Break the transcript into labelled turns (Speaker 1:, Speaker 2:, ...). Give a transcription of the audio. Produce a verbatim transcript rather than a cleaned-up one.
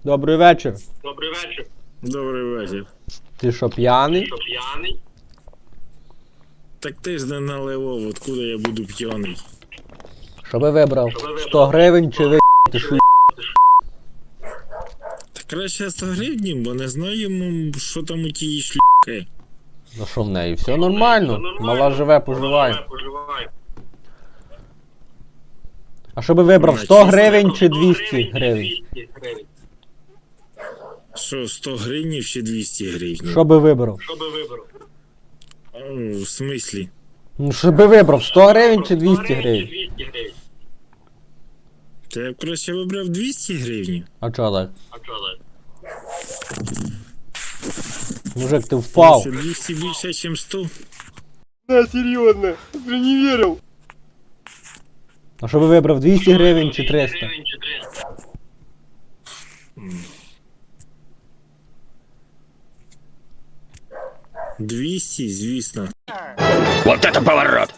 Speaker 1: Добрий вечір.
Speaker 2: Добрий вечір.
Speaker 3: Добрий вечір.
Speaker 1: Ти що, п'яний?
Speaker 2: Що п'яний?
Speaker 3: Так ти ж не наливав, откуда я буду п'яний?
Speaker 1: Що би вибрав? сто гривень чи ви ти шу...
Speaker 3: Та краще сто гривень, бо не знаємо, що там у тій шлюки.
Speaker 1: Ну що в неї? Все нормально. Мала живе, поживає.
Speaker 2: Поживай.
Speaker 1: А що би вибрав? сто гривень чи двісті гривень?
Speaker 2: двісті гривень.
Speaker 3: Що, сто гривень чи двісті гривень?
Speaker 1: Що би вибрав?
Speaker 2: Що би вибрав?
Speaker 3: О, в смислі?
Speaker 1: Ну що би вибрав? сто гривень чи двісті гривень?
Speaker 2: двісті гривень.
Speaker 3: Та я б краще вибрав двісті гривень.
Speaker 1: А чо так?
Speaker 2: А що так?
Speaker 1: Мужик, ти впав.
Speaker 3: Що, двісті більше, ніж сто?
Speaker 1: Да, серйозно, я не вірив. А що би вибрав? двісті гривень чи триста?
Speaker 2: Гривень чи триста?
Speaker 3: двісті, звісно.
Speaker 4: Вот это поворот!